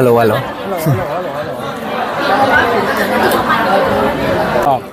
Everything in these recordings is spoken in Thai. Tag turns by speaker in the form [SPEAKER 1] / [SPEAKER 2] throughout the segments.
[SPEAKER 1] ลโหลฮัลโหล
[SPEAKER 2] ออก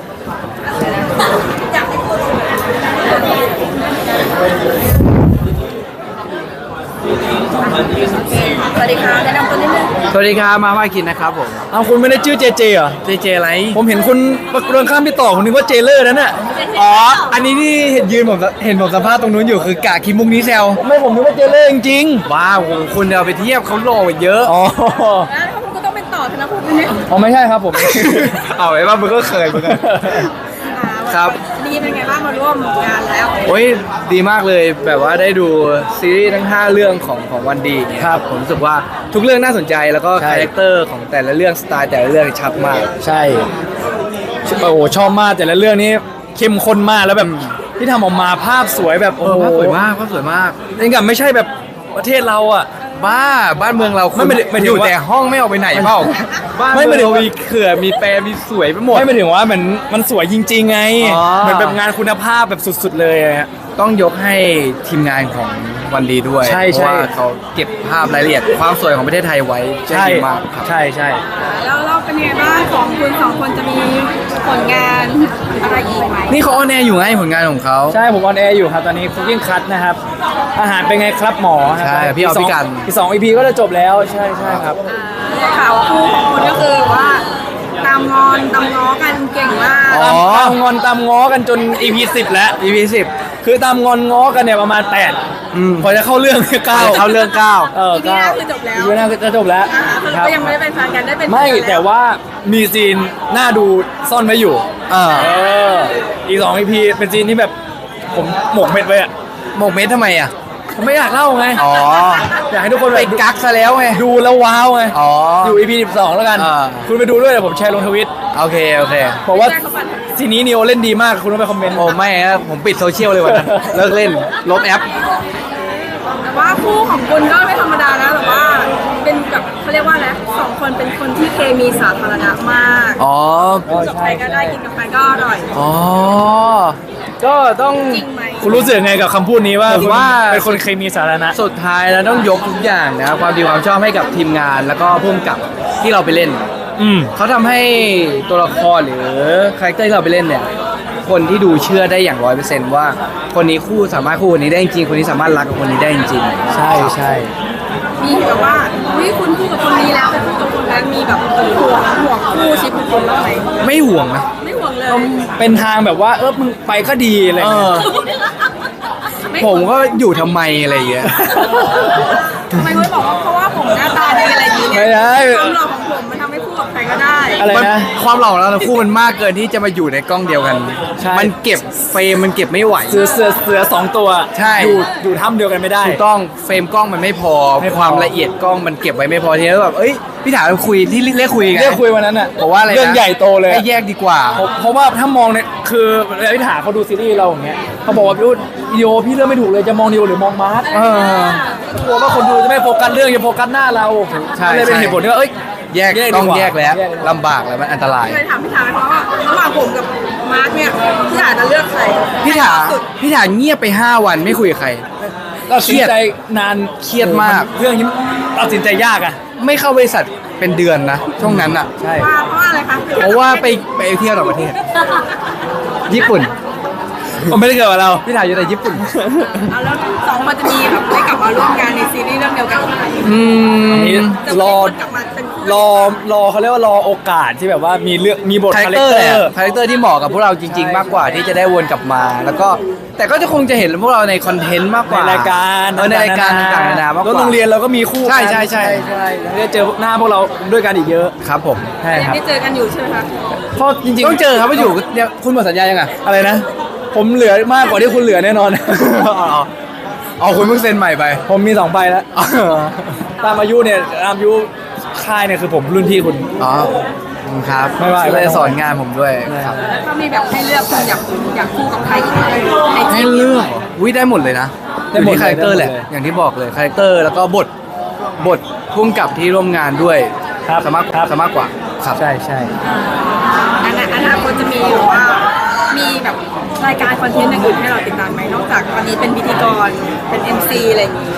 [SPEAKER 3] สวัสดีค่ะแนะนำตัวนิดนึง
[SPEAKER 1] สวัสดีครับมาว่าคินนะครับผม
[SPEAKER 2] เอาคุณไม่ได้ชื่อเจเจเหรอ
[SPEAKER 1] เจเจอะไร
[SPEAKER 2] ผมเห็นคุณเรื่องข้ามพี่ต่อผมนึกว่าเจเลอร์นั่นน่ะ
[SPEAKER 1] อ๋ออันนี้ที่เห็นยืนผมเห็นผมสัมภาษณ์ตรงนู้นอยู่คือกะคิมมุกนี้แซว
[SPEAKER 2] ไม่ผมนึกว่าเจเลอร์จริง
[SPEAKER 1] ว้าวคุณเอาไปเทียบเขาโลกเยอะ
[SPEAKER 2] ๆอ๋อ
[SPEAKER 3] แล้วคุณก็ต้องเป็นต่อธนภูมิเนี่ย
[SPEAKER 2] อ๋อไม่ใช่ครับผม
[SPEAKER 1] เอาไว้ว่ามึงก็เคยเหมือนกัน ครับ
[SPEAKER 3] ดีเป็นไงบ้างมาร่วมงานแล้ว
[SPEAKER 1] โอ้ยดีมากเลยแบบว่าได้ดูซีรีส์ทั้ง 5 เรื่องของวันดีเนี่ย
[SPEAKER 2] ครับ
[SPEAKER 1] ผมรู้สึกว่าทุกเรื่องน่าสนใจแล้วก็
[SPEAKER 2] ใช่
[SPEAKER 1] คาแรคเตอร์ของแต่ละเรื่องสไตล์แต่ละเรื่องชัดมาก
[SPEAKER 2] ใช่โอ้โหชอบมากแต่ละเรื่องนี้เข้มข้นมากแล้วแบบที่ทำออกมาภาพสวยแบบโอ้โห
[SPEAKER 1] ภาพสวยมากภาพสวยมาก
[SPEAKER 2] นี่กับไม่ใช่แบบประเทศเราอ่ะ
[SPEAKER 1] บ้านเมืองเรา
[SPEAKER 2] ไม่ได้
[SPEAKER 1] อยู่
[SPEAKER 2] ว่า
[SPEAKER 1] แต่ห้องไม่ออกไปไหนเปล่าบ้าน
[SPEAKER 2] ไม่
[SPEAKER 1] เมือง
[SPEAKER 2] ไม่ได้
[SPEAKER 1] เรา
[SPEAKER 2] ว่า
[SPEAKER 1] มีเขื่อนมีแปรมีสวยไปหมด
[SPEAKER 2] ไม่ถึงว่ามันสวยจริงๆไง
[SPEAKER 1] อ๋อ
[SPEAKER 2] เหมือนแบบงานคุณภาพแบบสุดๆเลยอะ
[SPEAKER 1] ต้องยกให้ทีมงานของวันดีด้วย
[SPEAKER 2] ใช่
[SPEAKER 1] เพราะว่า
[SPEAKER 2] ใช่
[SPEAKER 1] เขาเก็บภาพรายละเอียดความสวยของประเทศไทยไว้ได้ดีมากครับ
[SPEAKER 2] ใช่ใช่
[SPEAKER 3] แล้วเราเป็นไงบ้างของคุณสองคนจะมีผลงานอะไรอีกไหม
[SPEAKER 1] นี่เขาออนแอร์อยู่ไงผลงานของเขา
[SPEAKER 2] ใช่ผมออนแอร์อยู่ครับตอนนี้ Cooking Cut นะครับอาหารเป็นไงครับหมอครับ
[SPEAKER 1] ใช่พี่เอาพี่กัน
[SPEAKER 2] อีก2 EP ก็จะจบแล้วใช่ใช่ครับ
[SPEAKER 3] ได้ข่าวคู่ของคุณก็คือว่าตามงอนตามง้อกันเก่งมาก
[SPEAKER 1] อ๋อ
[SPEAKER 2] ตามงอนตามง้อกันจน EP 10 แล้ว
[SPEAKER 1] EP 10
[SPEAKER 2] คือตามงอนง้อกันเนี่ยประมาณ8พอจะเข้าเรื่อง9
[SPEAKER 1] เข้าเรื่อง
[SPEAKER 3] ทีนี้คือจบแล้ว
[SPEAKER 2] อีพีหน้าคือจะจบแล้ว
[SPEAKER 3] คือ
[SPEAKER 2] ครับ
[SPEAKER 3] ก็ยังไม่ได้เป็นแฟนกันได้เป็น
[SPEAKER 2] ไม่
[SPEAKER 3] แฟนกัน
[SPEAKER 2] แต่ว่ามีซีนน่าดูซ่อนไว้อยู่
[SPEAKER 1] 9เออ
[SPEAKER 2] อีก2 EP เป็นซีนที่แบบผมหมกเม็ดไว้อะ
[SPEAKER 1] หมกเม็ดทำไมอ่ะ
[SPEAKER 2] ผมไม่อยากเล่าไง
[SPEAKER 1] อ๋อ
[SPEAKER 2] อยากให้ทุกคน
[SPEAKER 1] ไป
[SPEAKER 2] แบบ
[SPEAKER 1] กักซะแล้วไง
[SPEAKER 2] ดูแล้วว้าวไง
[SPEAKER 1] อ๋อ
[SPEAKER 2] อยู่ EP 12 แล้วกัน
[SPEAKER 1] อ่า
[SPEAKER 2] คุณไปดูด้วยเดี๋ยวผมแชร์ลงทวิต
[SPEAKER 1] โอเคโอเค
[SPEAKER 2] บอกว่าซีนนี้นิโอเล่นดีมากคุณต้องไปคอมเมนต์
[SPEAKER 1] โอ้ไม่นะผมปิดโซเชียลเลยวันนั้นเลิกเล่นลบแอป
[SPEAKER 3] แต่ว่าคู่ของคุณก็ไม่ธรรมดานะแบบว่าเป็นแบบเขาเรียกว่าอะไรสองคนเป็นคนที่เคมีสาธารณะมาก
[SPEAKER 1] อ๋อ
[SPEAKER 3] กินกับใครก็ได้กินกับใครก็อร่อย
[SPEAKER 1] อ๋อ
[SPEAKER 2] ก็ต้อง
[SPEAKER 3] จริงไหม
[SPEAKER 2] คุณรู้สึกไงกับคำพูดนี้ว่า
[SPEAKER 1] ผมว่า
[SPEAKER 2] เป็นคนเคมีสาธารณะ
[SPEAKER 1] สุดท้ายแล้วต้องยกทุกอย่างนะความดีความชอบให้กับทีมงานแล้วก็พุ่มกับที่เราไปเล่น
[SPEAKER 2] อืม
[SPEAKER 1] เขาทำให้ตัวละครหรือคาแรคเตอร์ที่เราไปเล่นเนี่ยคนที่ดูเชื่อได้อย่าง100%ว่าคนนี้คู่สามารถคู่คนนี้ได้จริงคนนี้สามารถรักกับคนนี้ได้จริง
[SPEAKER 2] ใช่ใช่
[SPEAKER 3] มีแบบว่าอุ้ยคุณคู่กับคนนี้แล้วไปคู่กับคนนั้นมีแบบห่วงคู่ชีวิตของคนบ้างไหม
[SPEAKER 1] ไม่ห่วงนะ
[SPEAKER 3] ไม่ห่วงเลย
[SPEAKER 2] เป็นทางแบบว่ามึงไปก็ดีอะไร
[SPEAKER 1] เอ
[SPEAKER 2] เงี้
[SPEAKER 1] อย
[SPEAKER 3] ไม่
[SPEAKER 1] ผมก็อยู่ทำไมอะไรอย่างเงี้ย
[SPEAKER 3] ทำไมคุณบอกว่าเพราะว่าผมหน้าตาดีอะไรอย่างเงี้ย
[SPEAKER 2] ไม่ได้
[SPEAKER 3] ความหล่อของผมมันทำให้คู่กับใครก็ได้
[SPEAKER 2] อะไร
[SPEAKER 1] มัน
[SPEAKER 2] นะ
[SPEAKER 1] ความหล่อของเราทั้งคู่มันมากเกินที่จะมาอยู่ในกล้องเดียวกัน
[SPEAKER 2] ใช่
[SPEAKER 1] มันเก็บเฟรมมันเก็บไม่ไหว
[SPEAKER 2] เสือ2 ตัว
[SPEAKER 1] ใช่
[SPEAKER 2] อยู่ถ้ำเดียวกันไม่ได้
[SPEAKER 1] ถูกต้องเฟรมกล้องมันไม่พอ
[SPEAKER 2] ไม่พอ
[SPEAKER 1] ความละเอียดกล้องมันเก็บไว้ไม่พอทีนี้แบบเอ้ยพี่ถามคุยที่เรียกคุยไง
[SPEAKER 2] เรียกคุยวันนั้นอ่ะ
[SPEAKER 1] บอกว่าอะไรนะ
[SPEAKER 2] เรื่องใหญ่โตเลย
[SPEAKER 1] ให้แยกดีกว่า
[SPEAKER 2] เพราะว่าถ้ามองเนี่ยคือเวลาพี่ถาเขาดูซีรีส์เราอย่างเงี้ยเขาบอกว่าพี่วิดีโอพี่เลือกไม่ถูกเลยจะมองนิวหรือมองมาร์ท
[SPEAKER 1] เออ
[SPEAKER 2] กลัวว่าคนดูจะไม่โฟกัสเรื่องจะโฟกัสหน้าเรา
[SPEAKER 1] ใช่
[SPEAKER 2] ก็เลยเป็น
[SPEAKER 1] ใช่
[SPEAKER 2] เหตุผลที่ว่า
[SPEAKER 1] แยก
[SPEAKER 2] ดี
[SPEAKER 1] ต้อง
[SPEAKER 2] ว่า
[SPEAKER 1] แยกแล้ว
[SPEAKER 2] ดีกว่า
[SPEAKER 1] ลำบากแล้วมันอันตราย
[SPEAKER 3] เลยถามพี่ถามไหมเพราะว่าระหว่างผมกับมาร์คเนี่ยพี่ถาจะเลือกใคร
[SPEAKER 1] พี่ถาพี่ถาเงียบไป 5 วันไม่คุยกับใคร
[SPEAKER 2] ตัดสินใจนาน
[SPEAKER 1] เครียดมาก
[SPEAKER 2] เรื่องนี้ตัดสินใจยากอ่ะ
[SPEAKER 1] ไม่เข้าบริษัทเป็นเดือนนะช่วงนั้นอ่ะ
[SPEAKER 2] ใช่
[SPEAKER 3] ว่าเพราะว่าอะไรคะ
[SPEAKER 1] เพราะว่าไปเที่ยวต่างประเทศ ญี่ปุ่น
[SPEAKER 2] ผมไม่ได้เกิดกับเรา
[SPEAKER 1] พี่ถาอยู่ในญี่ปุ่น
[SPEAKER 3] เอาแล้วสองคนจะมีแบบได้กลับมาร่วมงานในซีรีส์เรื่องเดียวกันไหม
[SPEAKER 2] นี่
[SPEAKER 3] จะ
[SPEAKER 2] รอ
[SPEAKER 3] กลับมาเป็นคู่
[SPEAKER 2] รอเขาเรียกว่ารอโอกาสที่แบบว่ามีบท
[SPEAKER 1] คาแร
[SPEAKER 2] คา
[SPEAKER 1] ค
[SPEAKER 2] แร
[SPEAKER 1] เต
[SPEAKER 2] ค
[SPEAKER 1] อร์
[SPEAKER 2] เต
[SPEAKER 1] แห
[SPEAKER 2] อ
[SPEAKER 1] ละ
[SPEAKER 2] ร์
[SPEAKER 1] คาแรคเตอร์ที่เหมาะกับพวกเราจริง ๆ มากกว่าที่จะได้วนกลับมา แล้วก็แต่ก็จะคงจะเห็นพวกเราในคอนเทนต์มากก
[SPEAKER 2] ใน
[SPEAKER 1] ว่า
[SPEAKER 2] รายการ
[SPEAKER 1] ในรายการต่างๆนานามากก
[SPEAKER 2] แล้ว
[SPEAKER 1] ว่า
[SPEAKER 2] โรงเรียนเราก็มีคู่
[SPEAKER 1] ใช่
[SPEAKER 2] กัน
[SPEAKER 1] ใช่ใช่
[SPEAKER 2] ใช่แล้วได้เจอหน้าพวกเราด้วยกันอีกเยอะ
[SPEAKER 1] ครับผม
[SPEAKER 2] ใช่
[SPEAKER 3] ยั
[SPEAKER 2] ค
[SPEAKER 3] ง
[SPEAKER 2] รับ
[SPEAKER 3] ได้เจอกันอยู่ใช่ไหมคะ
[SPEAKER 2] เพราะจริงๆ
[SPEAKER 1] ต้องเจอครับว่าอยู่เนี่ยคุณหมดสัญญายังอ่ะ
[SPEAKER 2] อะไรนะ ผมเหลือมากกว่าที่คุณเหลือแน่นอน
[SPEAKER 1] อ๋อคุณเพิ่งเซ็นใหม่ไป
[SPEAKER 2] ผมมี2 ใบแล้ว ตามอายุเนี่ยตามอายุค่ายเนี่ยคือผมรุ่นพี่คุณ
[SPEAKER 1] อ๋อครับ
[SPEAKER 2] ไม่ว่า
[SPEAKER 1] เลยสอนงานผมด้วยครับ
[SPEAKER 3] แล้วถ้ามีแบบให้เลือกคุณอยากคู่กับใครอีกไหมใน
[SPEAKER 1] ให้
[SPEAKER 3] ทีม
[SPEAKER 1] เลือกวิได้หมดเลยนะ
[SPEAKER 2] ได้
[SPEAKER 1] อยู่
[SPEAKER 2] หมด
[SPEAKER 1] ที่คาแรคเตอร์แหละ
[SPEAKER 2] ได้หมดเลย
[SPEAKER 1] อย่างที่บอกเลยคาแรคเตอร์แล้วก็บทพุ่งกับที่ร่วมงานด้วย
[SPEAKER 2] ครับ
[SPEAKER 1] สามารถกว่าครับ
[SPEAKER 2] ใช่ใช่
[SPEAKER 3] อนาคตจะมีหรือว่ามีแบบรายการคอนเทนต์อย่างอื่นให้เราติดตามไหมนอกจากตอนนี้เป็นพิธีกรเป็น MC อะไรอย่างนี้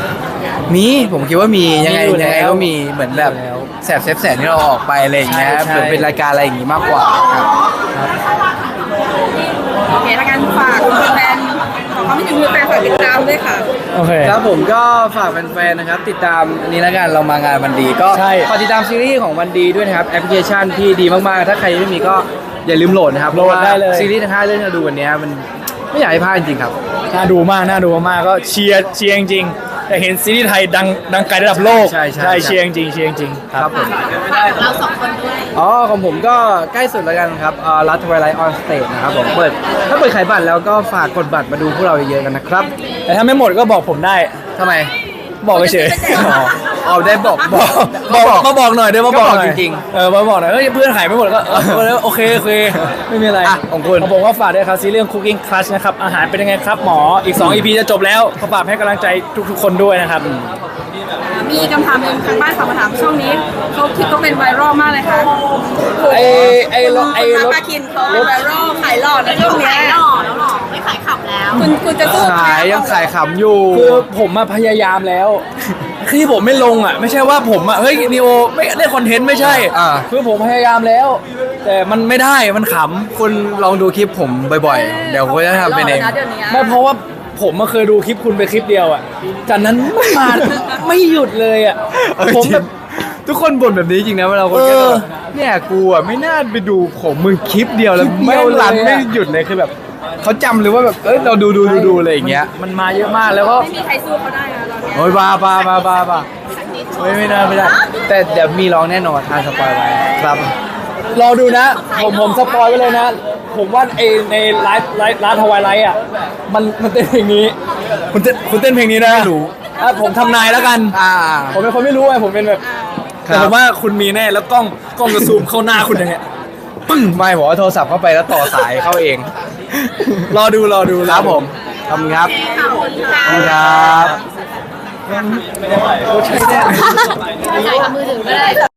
[SPEAKER 1] มีผมคิดว่ามียังไง
[SPEAKER 2] มีอยู่
[SPEAKER 1] ยังไง
[SPEAKER 2] แล้ว
[SPEAKER 1] ก็มีเหมือนแบบ
[SPEAKER 2] มีอยู่แล้ว
[SPEAKER 1] แสบเซฟแสนที่เราออกไปอะไรอย่างเงี้ย
[SPEAKER 2] ใช่
[SPEAKER 1] เหมือนเป็นรายการอะไรอย่างงี้มากกว่าครับ
[SPEAKER 3] โอเคถ้างั้นฝากแฟนขอความคิดถึงแฟนฝากติดตามด้วยค่ะ
[SPEAKER 2] โอเค
[SPEAKER 1] ครับผมก็ฝากแฟนๆนะครับติดตามอันนี้แล้วกันเรามางานวันดีก็
[SPEAKER 2] ใช่
[SPEAKER 1] ฝากติดตามซีรีส์ของวันดีด้วยนะครับแอปพลิเคชันที่ดีมากๆถ้าใครยังไม่มีก็อย่าลืมโหลดนะครับ
[SPEAKER 2] โหลดได้เลย
[SPEAKER 1] ซีรีส์ทั้ง5เรื่องที่เราดูวันเนี้ยมันไม่อยากให้พลาดจริงๆครับ
[SPEAKER 2] น่าดูมากก็เชียร์จริงๆแต่เห็นซีรีส์ไทยดังไกลระดับโลก
[SPEAKER 1] ใช่
[SPEAKER 2] เชียร์จริงครับ
[SPEAKER 1] ผม
[SPEAKER 3] ฝากเรา2 คนด้วย
[SPEAKER 1] อ๋อของผมก็ใกล้สุดแล้วกันครับรัฐทวายไลท์ออนสเตจนะครับผมถ้าเปิดขายบัตรแล้วก็ฝากกดบัตรมาดูพวกเราเยอะๆกันนะครับ
[SPEAKER 2] แต่ถ้าไม่หมดก็บอกผมได้
[SPEAKER 1] ทำไม
[SPEAKER 2] บอกเฉย
[SPEAKER 1] เอาได้บอก
[SPEAKER 2] มาบอกหน่อยเดี๋ยวมาบอกหน่อย
[SPEAKER 1] ก็บอกจริงๆ
[SPEAKER 2] มาบอกหน่อยเฮ้ยเพื่อนขายไม่หมดก็โอเคไม่มีอะไร
[SPEAKER 1] อ่ะของคุณ
[SPEAKER 2] ผมว่าฝากด้วยครับซีรีส์ Cooking Class นะครับอาหารเป็นยังไงครับหมออีก2 EP จะจบแล้วขอฝากให้กำลังใจทุกๆคนด้วยนะครับ
[SPEAKER 3] มีคำถามหนึ่งทางบ้านฝากมาถามช่วงนี้เขาคิดก็เป็นไวรัลมากเลยค่ะ
[SPEAKER 2] ไอ้รถ
[SPEAKER 3] มาปาคินเขาเป็นไวรัลขายหลอดในช่วงเนี้ย
[SPEAKER 4] ขายหล่อแล้วหรอไม่ขายขับแล้ว
[SPEAKER 3] คุณจะสู้
[SPEAKER 1] ขายยังขายขำอยู่
[SPEAKER 2] คือผมมาพยายามแล้วคือที่ผมไม่ลงอ่ะไม่ใช่ว่าผมอ่ะเฮ้ยนิโอไม่ได้คอนเทนต์ไม่ใช่ คือผมพยายามแล้ว แต่มันไม่ได้มันขำ
[SPEAKER 1] คุณลองดูคลิปผมบ่อยๆ เดี๋ยวผมจะทำเป็นเอง
[SPEAKER 3] เดี๋ยวนี้
[SPEAKER 2] ไม่เพราะว่าผมมาเคยดูคลิปคุณไปคลิปเดียวอ่ะจากนั้นไม่มา ไม่หยุดเลยอ่ะ
[SPEAKER 1] เออ
[SPEAKER 2] ผม
[SPEAKER 1] จริง
[SPEAKER 2] แบบ
[SPEAKER 1] ทุกคนบ่นแบบนี้จริงนะเวลาคน
[SPEAKER 2] เอ
[SPEAKER 1] ก็
[SPEAKER 2] อ
[SPEAKER 1] แบบเนี่ยกูอ่ะไม่น่าไปดูของมึงคลิปเดียวแล้ว
[SPEAKER 2] คลิปเดี
[SPEAKER 1] ไม่
[SPEAKER 2] ยว
[SPEAKER 1] รัน
[SPEAKER 2] เลยอะ
[SPEAKER 1] ไม่หยุดเลยคือแบบเขาจำเลยว่าแบบเราดูอะไรอย่างเงี้ย
[SPEAKER 2] มันมาเยอะมากแล้วก็
[SPEAKER 3] ไม่มีใครสู้เขาได้นะตอนเนี้ย
[SPEAKER 1] โอ้ยบ้าไม่ได้ไม่ได้ แต่เดี๋ยวมีร้องแน่นอนทานสปอยไว้ครับ
[SPEAKER 2] รอดูนะ ผมสปอยไว้เลยนะ ผมว่าในไลฟ์ทวายไลท์อ่ะมันเต้นเพลงนี้คุณเต้นเพลงนี้นะ
[SPEAKER 1] ไม่รู้
[SPEAKER 2] ผมทำนายแล้วกัน ผมเป็นคนไม่รู้ไงผมเป็นแบบ
[SPEAKER 1] ครับ
[SPEAKER 2] แต่ผมว่าคุณมีแน่แล้วกล้องจะซูมเข้าหน้าคุณอย่างเงี้ย
[SPEAKER 1] ปึ้งไม่บอกว่าโทรศัพท์เข้าไปแล้วต่อสายเข้าเอง
[SPEAKER 2] รอดู
[SPEAKER 1] ครับผมขอบคุณครับ
[SPEAKER 3] ขอบคุณค่ะ
[SPEAKER 1] ขอบคุณครับ
[SPEAKER 4] ถ่ายกับมือถือก็ได้